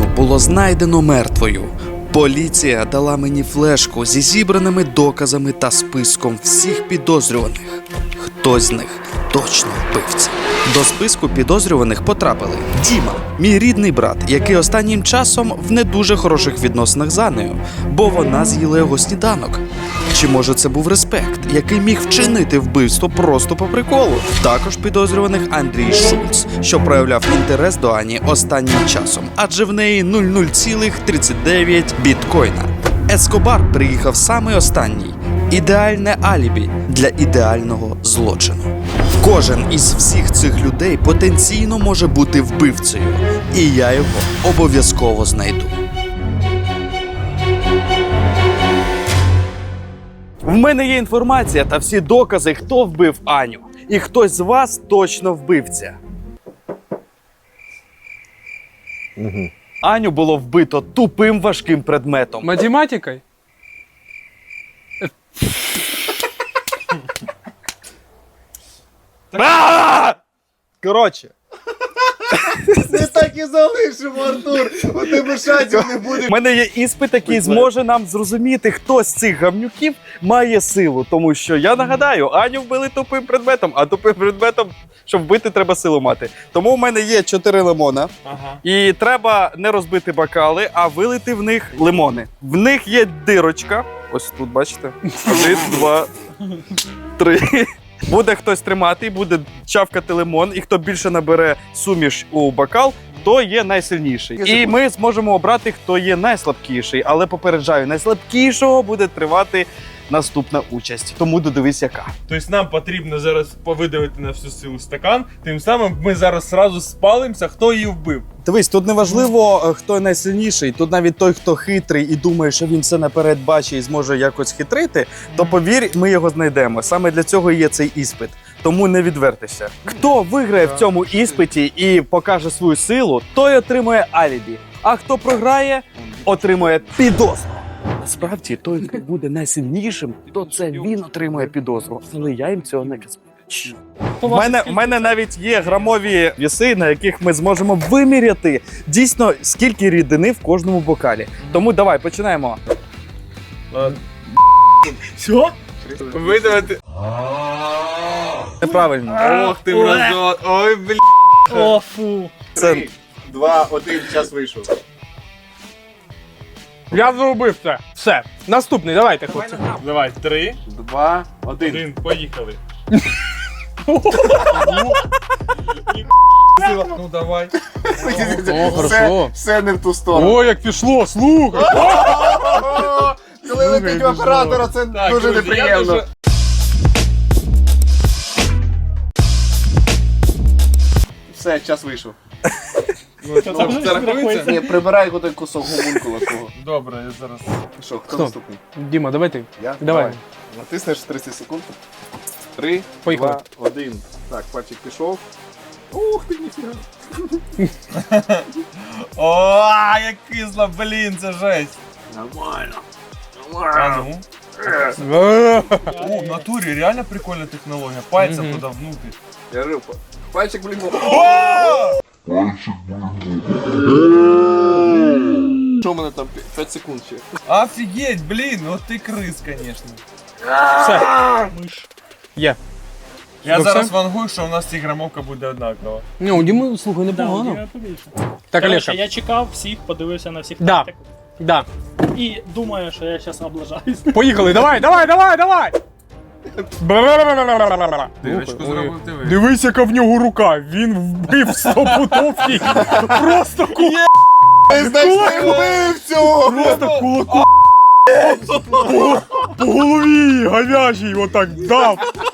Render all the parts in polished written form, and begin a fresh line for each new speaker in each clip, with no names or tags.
було знайдено мертвою. Поліція дала мені флешку зі зібраними доказами та списком всіх підозрюваних. Хтось з них точно вбивця. До списку підозрюваних потрапили Діма, мій рідний брат, який останнім часом в не дуже хороших відносинах з Анею, бо вона з'їла його сніданок. Чи може це був Респект, який міг вчинити вбивство просто по приколу? Також підозрюваних Андрій Шульц, що проявляв інтерес до Ані останнім часом, адже в неї 0,039 біткоїна. Ескобар приїхав саме останній. Ідеальне алібі для ідеального злочину. Кожен із всіх цих людей потенційно може бути вбивцею, і я його обов'язково знайду. В мене є інформація та всі докази, хто вбив Аню. І хтось з вас точно вбивця. Аню було вбито тупим важким предметом.
Математикой?
Коротше.
Не так і залишимо, Артур. У тебе шансів не буде.
У мене є іспит, який зможе нам зрозуміти, хто з цих гавнюків має силу. Тому що, я нагадаю, Аню вбили тупим предметом, а тупим предметом, щоб вбити, треба силу мати. Тому в мене є 4 лимона. І треба не розбити бокали, а вилити в них лимони. В них є дирочка. Ось тут, бачите? 1, 2, 3. Буде хтось тримати, буде чавкати лимон, і хто більше набере суміш у бокал, то є найсильніший. І ми зможемо обрати, хто є найслабкіший. Але попереджаю, найслабкішого буде тривати наступна участь. Тому додивись, яка.
Тобто нам потрібно зараз повидавити на всю силу стакан, тим самим ми зараз зразу спалимося, хто її вбив.
Дивись, тут не важливо, хто найсильніший. Тут навіть той, хто хитрий і думає, що він все наперед бачить і зможе якось хитрити, то повір, ми його знайдемо. Саме для цього є цей іспит. Тому не відвертися. Хто виграє в цьому іспиті і покаже свою силу, той отримує алібі. А хто програє, отримує підозру. Насправді, той, хто буде найсильнішим, то це він отримує підозру. Але я їм цього не казав. В мене навіть є грамові віси, на яких ми зможемо виміряти дійсно, скільки рідини в кожному бокалі. Тому давай, починаємо.
Що? Видавити.
Неправильно.
Ох ти мразот. Ой, блін.
О, фу.
3, 2, 1, час вийшов.
Я зробив це. Все. Наступний, давайте, хлопці.
Давай, 3,
2, 1.
1, поїхали. Ну давай.
Все не в ту сторону.
О, як пішло, слухай.
Коли летить в оператора, це дуже неприємно. Все, час вийшов.
Це рахується?
Ні, прибирай той кусок гомункула свого.
Добре, я зараз.
Що, хто наступний?
Діма, давай ти.
Я?
Давай.
Натиснеш 30 секунд. 3,
Поїхали.
2, 1. Так, пальчик пішов. Ух ти, ніфіга.
О, як кисло, блін, це жесть.
Нормально.
А ну. О, в натурі реально прикольна технологія. Пальцем туди внутрі.
Я рибка. Пальчик, блін. Що в мене там? 5 секунд ще.
Офігеть, блін, ну ти крис, звісно.
Все. Є.
Я
Ну,
зараз
все?
вангую, що у нас ціграмовка буде однакова.
Ні, у Діми, слухай, непогано. Так,
Короче,
Олеша.
я чекав всіх, подивився на всіх
Да.
тактик.
Да.
І думаю, що я зараз облажаюсь.
Поїхали, давай.
Дирочку зробив ти ви.
Дивись, яка в нього рука. Він вбив стопутовки. Просто
Значить, вбив цього!
Просто кулаком по голові говяжій отак дав.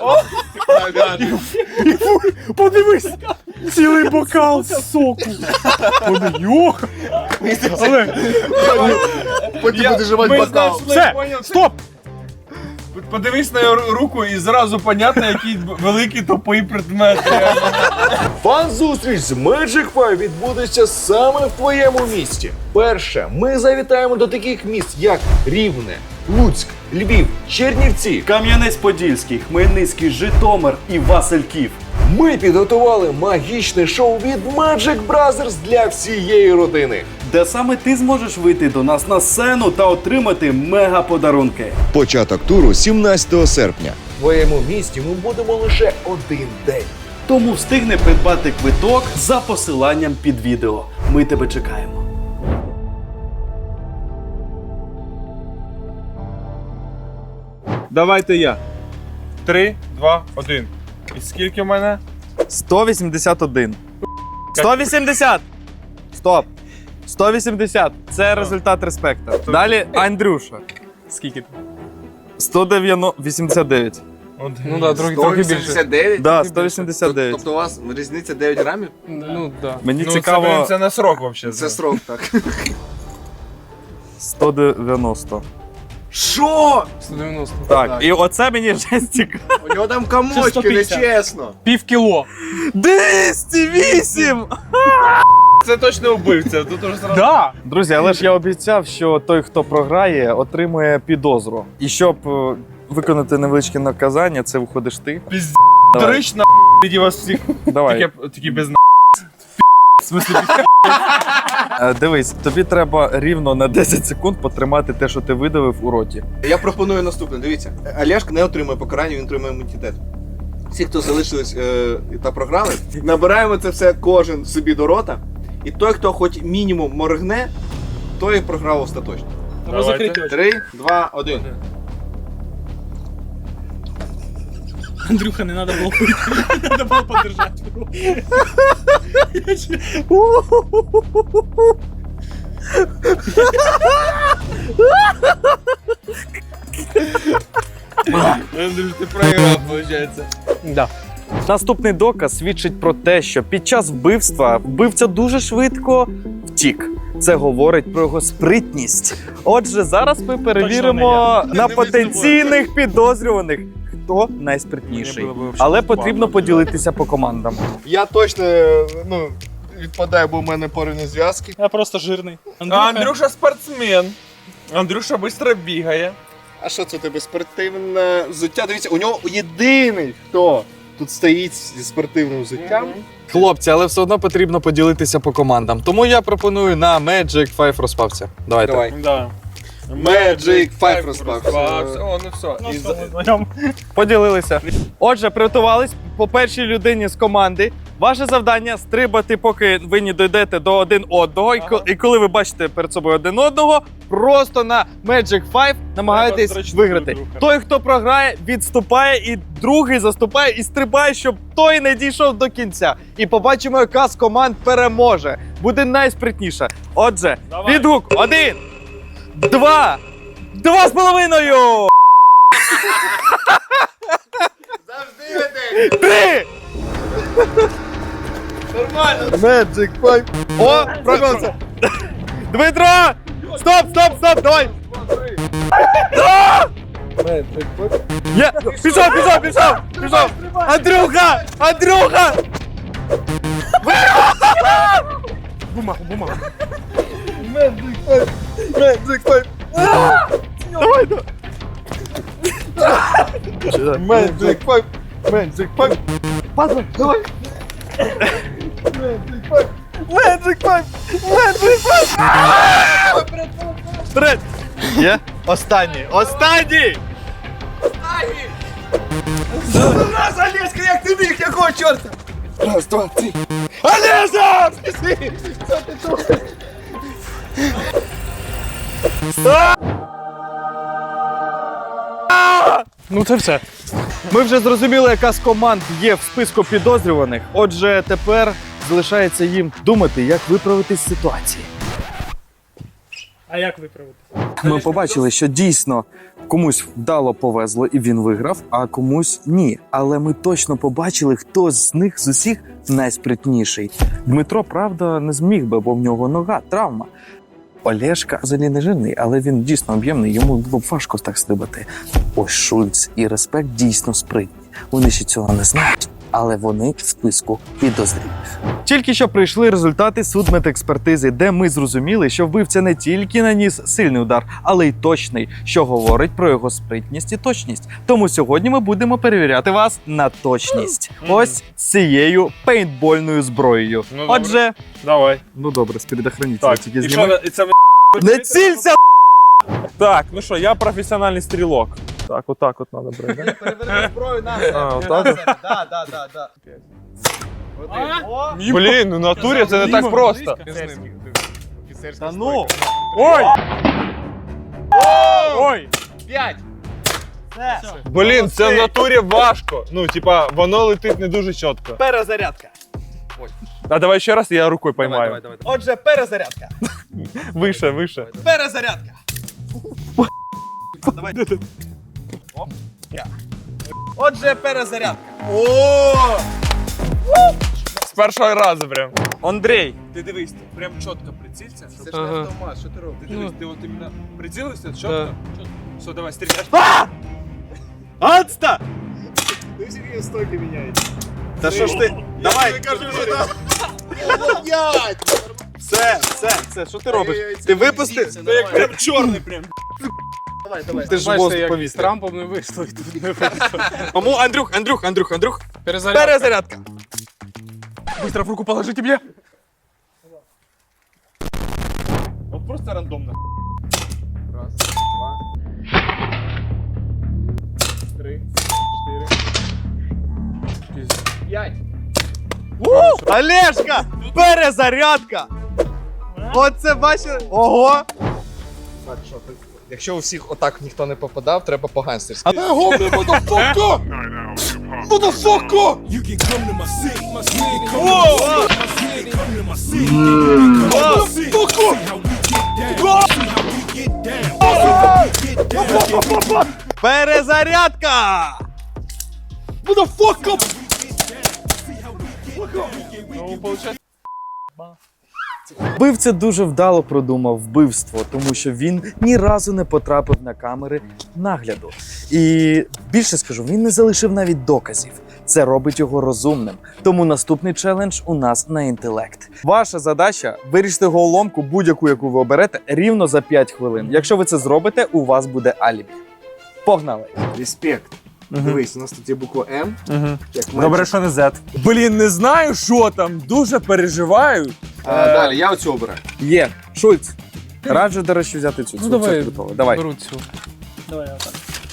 Подивись, цілий бокал соку. Йох. Але
Потім буде жувати бокал.
все, стоп.
Подивись на його руку і зразу понятно, який великий тупий предмет.
Фан-зустріч з Magic 5 відбудеться саме в твоєму місті. Перше, ми завітаємо до таких міст, як Рівне, Луцьк, Львів, Чернівці.
Кам'янець-Подільський, Хмельницький, Житомир і Васильків.
Ми підготували магічне шоу від Magic Brothers для всієї родини.
де саме ти зможеш вийти до нас на сцену та отримати мега-подарунки.
Початок туру 17 серпня.
В твоєму місті ми будемо лише один день.
Тому встигни придбати квиток за посиланням під відео. Ми тебе чекаємо.
Давайте я. 3, 2, 1. І скільки в мене?
181. 180! Стоп! 180. Це результат респекта. Далі Андрюша. Скільки? 189.
Ну да, трохи більше.
189?
Да, 189.
Тобто у вас різниця 9 грамів?
Ну, да.
Мені
Ну,
цікаво
це на срок взагалі.
Це срок, так.
190.
Що?
190.
Так, і оце мені вже цікаво.
У нього там комочки,
150.
нечесно.
Пів кіло.
208!
Це точно вбивця. Тут уже зразу.
Да! Друзі, але ж я обіцяв, що той, хто програє, отримує підозру. І щоб виконати невеличке наказання, це виходиш ти.
Пізд...
Давай.
Дорично, тоді вас всіх.
Давай.
Такі без на. В смислі,
Дивись, тобі треба рівно на 10 секунд потримати те, що ти видавив у роті.
Я пропоную наступне. Дивіться, Олешка не отримує покарання, він отримує імунітет. Всі, хто залишились та програли, набираємо це все кожен собі до рота. І той, хто хоч мінімум моргне, той програв остаточно.
Треба закрити очі.
3, 2, 1.
Андрюха, не треба було пити. Треба було подержати.
Андрюш, ти проіграв, виходить.
Да. Наступний доказ свідчить про те, що під час вбивства вбивця дуже швидко втік. Це говорить про його спритність. Отже, зараз ми перевіримо на потенційних підозрюваних, хто найспритніший. Але потрібно поділитися по командам.
Я точно відпадаю, бо в мене порівні зв'язки.
Я просто жирний.
Андрюша спортсмен. Андрюша швидко бігає.
А що це у тебе спортивне взуття? Дивіться, у нього єдиний, хто тут стоїть зі спортивним взуттям.
Хлопці, але все одно потрібно поділитися по командам. Тому я пропоную на Magic 5 розпався. Давайте.
Давай.
Да.
Magic 5 розпався.
О, ну все.
Ну,
І
що, ми знайомі.
Поділилися. Отже, приготувались по першій людині з команди. Ваше завдання стрибати, поки ви не дійдете до один одного. І коли ви бачите перед собою один одного, просто на Magic 5 намагаєтесь
зручно
виграти.
друг друга.
Той, хто програє, відступає, і другий заступає і стрибає, щоб той не дійшов до кінця. І побачимо, яка з команд переможе. Буде найспритніша. Отже,
Давай.
відгук 1, 2, 2,5!
Завжди веде.
3!
Нормально. Magic 5.
О, пробився! Дмитро! Стоп, стоп, стоп, давай! Є! Пішов, пішов, пішов! Пішов! Андрюха! Андрюха!
Magic 5.
Давай, давай!
Magic 5. Magic 5.
Падла, давай!
Magic 5.
Magic 5! Magic 5! Вперед! Є? Останній! Останній!
Раз, Олешка, як ти біг, якого чорта? Раз, два, три.
Олежа!
Ну це все.
Ми вже зрозуміли, яка з команд є в списку підозрюваних. Отже, тепер залишається їм думати, як виправитись з ситуації.
А як виправити?
Ми побачили, що дійсно комусь вдало повезло і він виграв, а комусь ні. Але ми точно побачили, хто з них з усіх найспритніший. Дмитро, правда, не зміг би, бо в нього нога, травма. Олешка взагалі не жирний, але він дійсно об'ємний, йому було б важко так стрибати. Ось Шульц і Респект дійсно спритні. Вони ще цього не знають, але вони в списку підозрілих. Тільки що прийшли результати судмедекспертизи, де ми зрозуміли, що вбивця не тільки наніс сильний удар, але й точний, що говорить про його спритність і точність. Тому сьогодні ми будемо перевіряти вас на точність. Ось цією пейнтбольною зброєю.
Ну, добре.
Отже,
Давай.
ну добре, з предохранителя
Так,
тільки
і що,
знімай.
і це
Не цілься!
Так, ну що, я професіональний стрілок. Так, отак от треба брати.
Переверни зброю на
А, отак от?
Да.
Блін, ну в натурі це не так просто.
Та ну!
Ой! Ой!
5!
Блін, це в натурі важко. Ну, типа, воно летить не дуже чітко.
Перезарядка.
А давай ще раз, я рукою поймаю.
Отже, перезарядка.
Вище, вище.
Перезарядка. Давай. Отже, перезарядка. О!
З першого разу прям.
Андрій,
Ти дивись, ти прям чітко прицілься.
Це ж не автомат, що ти робиш?
Ти дивись, ти от іменно прицілився, чітко. Все, давай, стріляй.
Адста!
Ти всі стойки міняєш.
Та що ж ти? Давай! Все, що ти робиш? Ти випусти?
Ти як прям чорний прям. Давай.
Ти ж воздух повітря.
Трампом не вийшло і тут не вийшло.
Мамо, Андрюх.
Перезарядка.
Перезарядка.
Быстро в руку положите мне. Вот просто рандомно.
Раз, два, 3, 4, 5.
Олешка! Перезарядка! Оце бачили? Ого!
Якщо у всіх отак ніхто не попадав, треба по-гангстерськи.
Перезарядка!
Ну, получается.
Вбивця дуже вдало продумав вбивство, тому що він ні разу не потрапив на камери нагляду. І більше скажу, він не залишив навіть доказів. Це робить його розумним. Тому наступний челендж у нас на інтелект. Ваша задача вирішити головоломку, будь-яку, яку ви оберете, рівно за 5 хвилин. Якщо ви це зробите, у вас буде алібі. Погнали!
Респект. Дивись, у нас тут є буква М. Як
Добре, що не Z. Блін, не знаю, що там. Дуже переживаю.
Далі, я оцю обираю.
Є! Шульц! Раджу, до речі, взяти цю.
Ну давай,
Це готово. Давай.
беру цю. Давай, отак.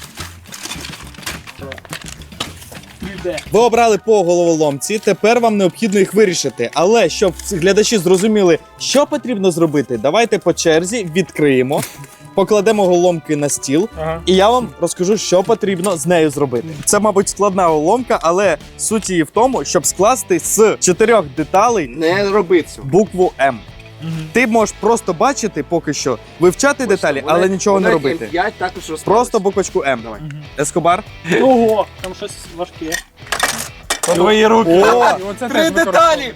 Ви обрали по головоломці, тепер вам необхідно їх вирішити. Але щоб глядачі зрозуміли, що потрібно зробити, давайте по черзі відкриємо, покладемо головоломки на стіл,
Ага.
і я вам розкажу, що потрібно з нею зробити. Це, мабуть, складна головоломка, але суть її в тому, щоб скласти з 4 деталей
Не роби цю.
букву М. Ти можеш просто бачити поки що, вивчати деталі, але нічого не робити.
5 також розставилось.
Просто буквочку М.
Давай.
Ескобар.
Ого, там щось важке.
Твої руки.
О!
3 деталі!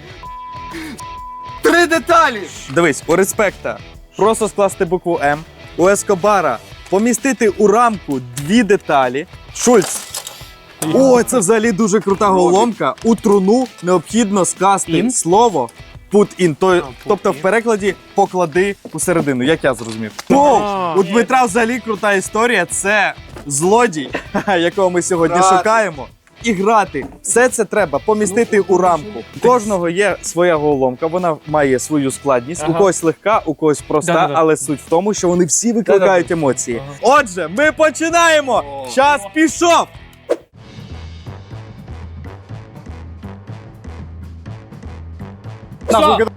3 деталі!
Дивись, у респекта просто скласти букву М. У Ескобара помістити у рамку 2 деталі. Шульц. О, це взагалі дуже крута головоломка. У труну необхідно скласти слово put in. Тобто в перекладі поклади усередину, як я зрозумів. О, у Дмитра взагалі крута історія. Це злодій, якого ми сьогодні
Грати.
шукаємо. І грати. Все це треба помістити у рамку. У кожного є своя головоломка, вона має свою складність. У когось легка, у когось проста,
Да-да-да.
але суть в тому, що вони всі викликають емоції. Отже, ми починаємо! Час пішов! Нахуй,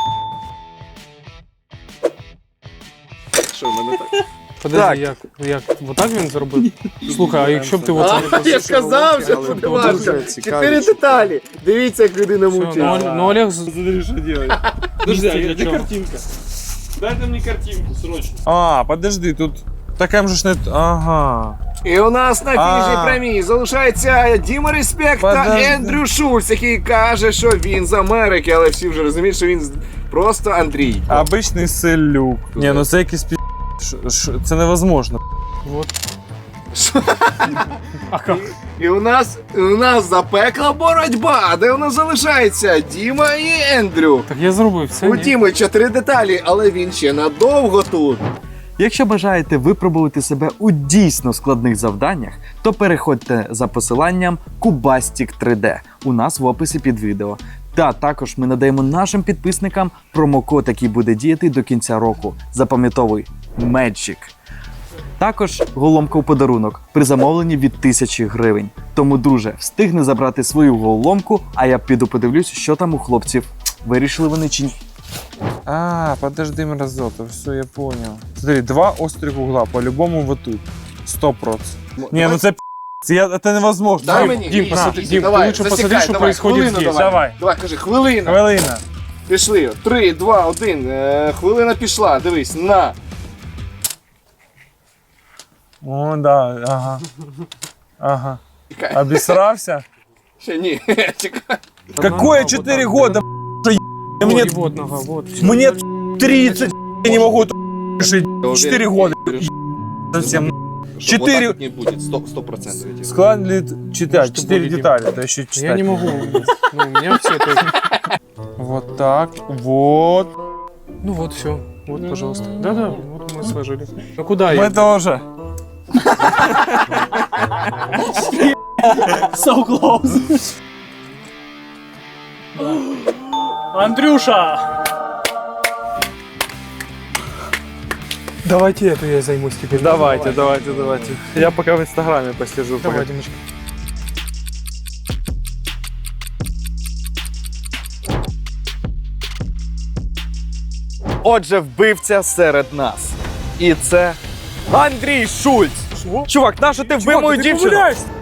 Що, в мене так?
Подожди, як? Отак він зробив? Слухай, а якщо б ти оце...
Я ж казав, що
але
буде
дуже
важко.
цікаві
4 деталі. Дивіться, як людина
Все,
мучиться.
ну Олег...
Смотри, что делать. Подожди, а где картинка? Дайте мне картинку, срочно. А, подожди, тут... Таким же ж не... Ага.
І у нас на фінішній
А.
прямій залишається Діма Респект та
Подожди.
Ендрю Шульц, який каже, що він з Америки, але всі вже розуміють, що він просто Андрій.
Обичний селюк. Ні, ну це якийсь пі... Це невозможно.
А как?
І у нас запекла боротьба, де у нас залишається Діма і Ендрю.
Так я зробив це.
У
ні?
Діми 4 деталі, але він ще надовго тут.
Якщо бажаєте випробувати себе у дійсно складних завданнях, то переходьте за посиланням Cubastic 3D у нас в описі під відео. Та також ми надаємо нашим підписникам промокод, який буде діяти до кінця року. Запам'ятовуй Magic. Також голомка у подарунок при замовленні від 1000 гривень. Тому, друже, встигни забрати свою голомку, а я піду подивлюсь, що там у хлопців. Вирішили вони чи ні.
А, подожди, мразота, все, я понял. Смотри, 2 острых угла, по-любому вот тут. 100%. Не, ну це это невозможно.
Дай
Дим,
мені.
Дім,
Ні,
посмотри,
на.
Дім,
Давай,
ти лучше
засікай,
посмотри, що
давай,
происходит
хвилину
здесь.
давай. Давай, кажи, хвилина.
Хвилина.
Пішли. 3, 2, 1. Хвилина пішла. Дивись, на.
О, да, ага. Ага.
Чекай.
Обесрався?
Ще ні. Чекай.
Какое 4 года, мне,
Вот нога, вот.
мне 30, я не могу решить. 4 года. Совсем.
Щоб
4
отак не буде, 100%.
складывает читать,
Что
4
будет,
детали, это еще читать.
Я не могу. Ну, у меня все это...
Вот так, вот.
Ну вот, все. Вот, пожалуйста. Да-да, вот мы сложили. Ну куда я?
Мы тоже.
So close. Андрюша! Давайте это я займусь теперь.
Давайте. Я поки в інстаграмі посижу.
Давай, Димочка.
Отже, вбивця серед нас. І це Андрій Шульц.
Що?
Чувак, нащо ти вбив мою дівчину?